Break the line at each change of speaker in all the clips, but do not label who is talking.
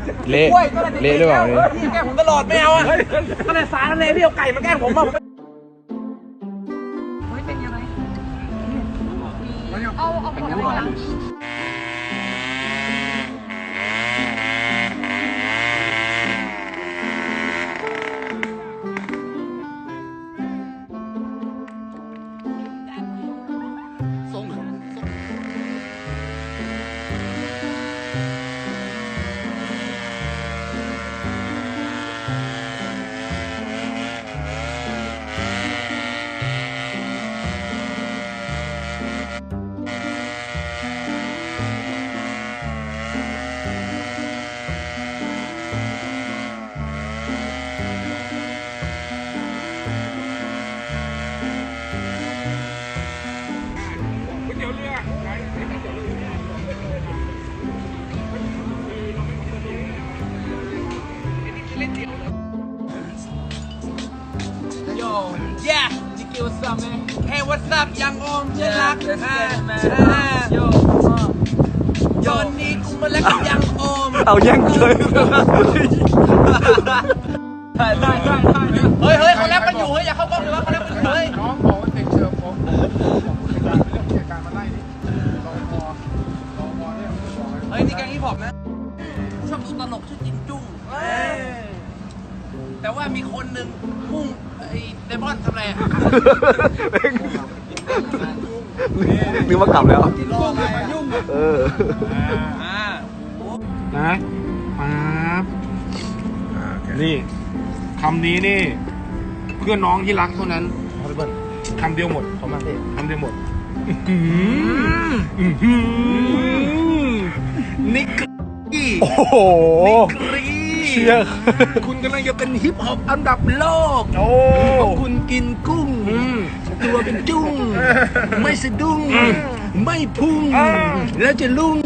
เละเละหรือเปล่าเนี่ย
พี่แกล้งผมตลอดไม่เอาอ่ะก็เลยสารเลยพี่เอาไก่มาแกล้งผมอ่ะ
เป็นยังไงเอาผลอะไรนะ
Yeah, Nicky, what's up, man? Hey, what's up, young Om? เพื่อนรักตอนนี้กูมาแล้วกับยังโอม
เอาแย่งเลย
เฮ้ยเขาแลบกันอยู่เฮ้ยอย่าเข้ากล้องเลยวะเขาแลบกันอยู่เฮ้ย
น้องบอกว่าเด็กเชิญผมเรื่องเหตุการณ์มาไล่นี่รอพอเนี่ยบอกเลย
เฮ้ยนี่แกงฮิปฮอปนะชอบดูตลกชื่อจินจุ้งแต่ว่ามีคนหนึ่งพุ่งไอ้เดมอนทำอะไรอ่ะ
นึกว่ากลับแล้ว
รออะไรอ่ะยุ่ง
เออ
นะปั๊บนี่คำนี้นี่เพื่อนน้องที่รักเท่านั้นคำเดียวหมดเขามาคำเดียวหมดนิกกี้
โอ้โห เชี่ย
คุณกำลังจะเป็นฮิปฮอปอันดับโลก
โอ้
คุณกินกุ้งตัวเป็นจุ้งไม่สะดุ้งไม่พุ่งแล้วจะลุ่ง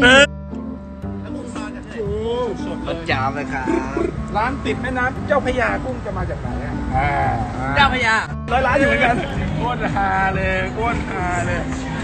ประจามเลยครับร้านติดแม่น้ำเจ้าพระยากุ้งจะมาจากไหนอ่ะ
เจ้าพญา
ร้านอยู่เหมือนกันโคตรฮาเลยโคตรฮาเลย